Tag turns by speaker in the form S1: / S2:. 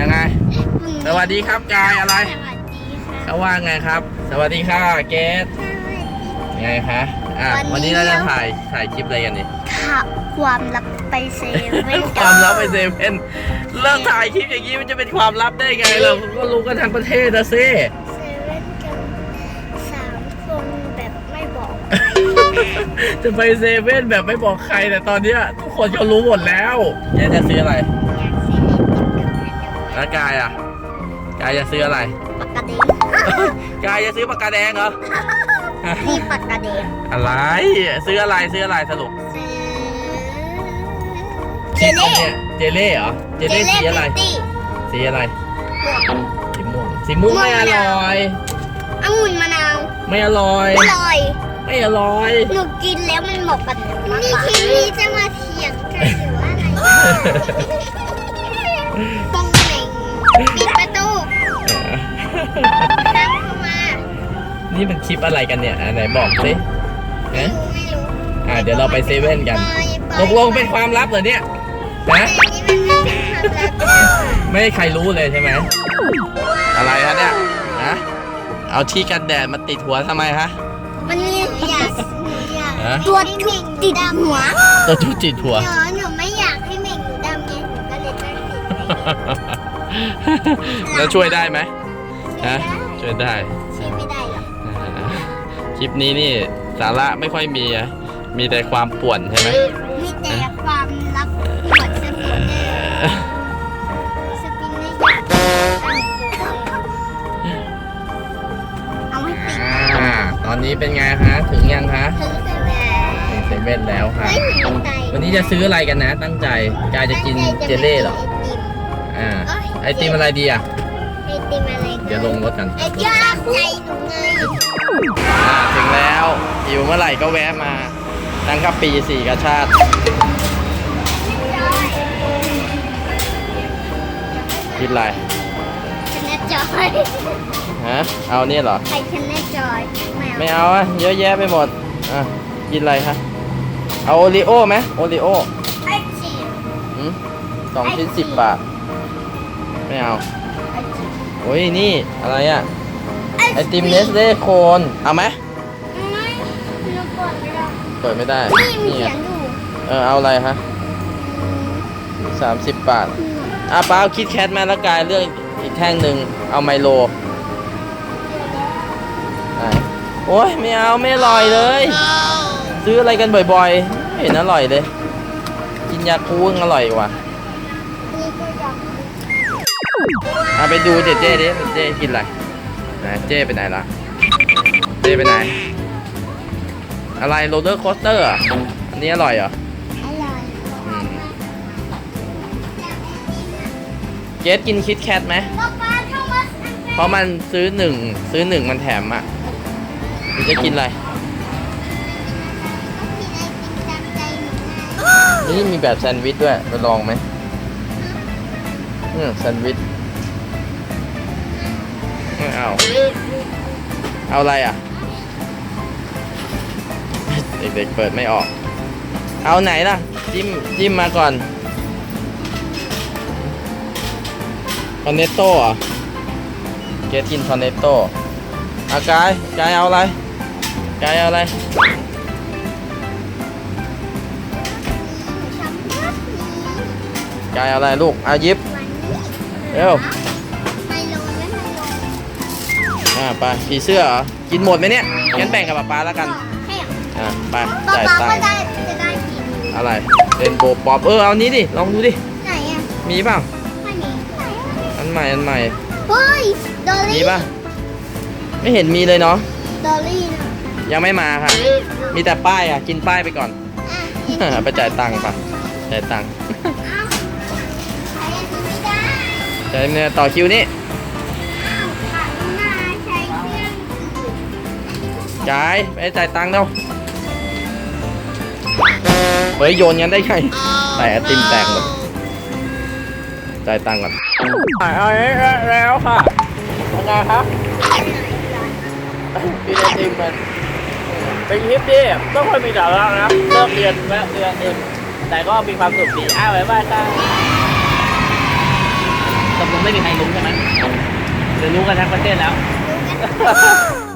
S1: ยังไงสวัสดีครับกายอะไรเขาว่าไงครับสวัสดีค่ะเกสไงคะวันนี้เราจะถ่ายคลิปอะไรกันนี่
S2: ความลับไปเซเว่น
S1: ความลับไปเซเว่นเลิกถ่ายคลิปอย่างนี้มันจะเป็นความลับได้ไงเราก็รู้กันทั้งประเทศนะซิ
S2: เซเว่นกัน3 คนแบบไม่บอก
S1: จะไปเซเว่นแบบไม่บอกใครแต่ตอนนี้ทุกคนก็รู้หมดแล้วแกจะซื้ออะไรแล้วกายกายจะซื้ออะไร
S2: ปากกาแดง
S1: กายจะซื้อปากกาแดงเหรอ
S2: นี่ปากกาแดง
S1: อะไรซื้ออะไรสรุป
S2: เจเล่
S1: เหรอเจเล่สีอะไรสีอะไรสีม่วงไม่อร่อย
S2: องุ่นมะนาว
S1: ไม่อร่อยไม่อร่อย
S2: หนูกินแล้วมันเหมาะกับหนูมากกว่าทีนี้จะมาเถียงกันหรือว่าอะไรปองเหน่งปิดประตูตามเข้ามา
S1: นี่มันคลิปอะไรกันเนี่ยไหนบอกสิ
S2: ไม่รู้
S1: เดี๋ยวเราไปเซเว่นกันตกลงเป็นความลับเหรอเนี่ยนะไม่ให้ใครรู้เลยใช่ไหมอะไรคะเนี่ยเอาที่กันแดดมาติดหัวทำไมคะ
S2: มันมีตัวจุดติดหัวหนูไม่อยากให้เหม่งหนูดำไงหนูก็เลยตั้งติด
S1: แล้วช่วยได้ไหมช่วยได้
S2: ช่วยไม่ได้หรอก
S1: คลิปนี้นี่สาระไม่ค่อยมีแต่ความป่วนใช่ไหม
S2: มีแต่ความลับปวดสปินเนอร์เอาให้ติด
S1: ตอนนี้เป็นไงคะถึงยังคะ
S2: ถึง
S1: เซเว่นแล้วค่ะวันนี้จะซื้ออะไรกันนะตั้งใจกายจะกินเจเล่หรอไอติมอะไรดี
S2: ไอติมอะไร
S1: เดี๋ยวลงรถกัน
S2: ไอติมใจหนูไง
S1: ถึงแล้วอยู่เมื่อไหร่ก็แวะมาตั้งกับปี4กระชาติกินอะไร
S2: ชนะจอย
S1: เอาเนี่ยเหรอ
S2: ใครชนะจอย
S1: ไม่เอาเยอะแยะไปหมดกินอะไรคะเอาโอริโอไหมโอริโอ2 ชิ้น10 บาทไม่เอาโอ้ยนี่อะไรไอติมเนสเล่โคนเอาไหมเปิดไม่ได้
S2: นี่ไง
S1: เอาอะไรฮะ30 บาทป้าเอาคิดแคทมาแล้วกายเลือกอีกแท่งหนึ่งเอาไมโลโอ้ยไม่เอาไม่อร่อยเลยซื้ออะไรกันบ่อยๆไม่เห็นอร่อยเลยกินยาคูลอร่อยกว่าไปดูเจ๊ดิเจ๊กินอะไรเจ๊ไปไหนล่ะเจ๊ไปไหนอะไรโรลเลอร์โคสเตอร์อันนี้อร่อยเหรอ
S2: อร่อย
S1: เกสกินคิดแคทไหมเพราะมันซื้อหนึ่งมันแถมจะกินอะไรนี่มีแบบแซนด์วิชด้วยไปลองไหมแซนด์วิชไม่เอาอะไรเด็กๆเปิดไม่ออกเอาไหนล่ะจิ้มมาก่อนคอนเนตโต้เกสกินคอนเนตโต้กายเอาอะไรกายเอาอะไรกายเอาอะไรลูกยิบเร็วไปผีเสื้อกินหมดไหมเนี่ยงั้นแบ่งกับป๊าแล้วกันไปจ่ายตังค์อะไรเรนโบว์ป๊อปเอานี้ดิลองดูดิ
S2: ไหน
S1: มีเปล่า
S2: ไม่มี
S1: อันใหม่
S2: เฮ้ยดอลลี่
S1: มีป่ะไม่เห็นมีเลยเนาะ
S2: ดอลลี่
S1: ยังไม่มาค่ะมีแต่ป้ายกินป้ายไปก่อนไปจ่ายตังค์ป่ะจ่ายตังค์จ่ายเนี่ยต่อคิวนี่จ่ายไปจ่ายตังค์เร็วเฮ้ยโยนงั้นได้ไงแต่ไอติมแตกหมดจ่ายตังค์ก่อนแล้วค่ะยังไงครับกินไอติมมันเป็นคลิปที่ไม่ค่อยมีสาระนะเลิกเรียนแวะเรียนเองแต่ก็มีความสุขดีบ๊ายบายค่ะ
S3: ตกลงไม่มีใครรู้ใช่ไหมหรือรู้กันทั้งประเทศแล้ว
S2: รู้กัน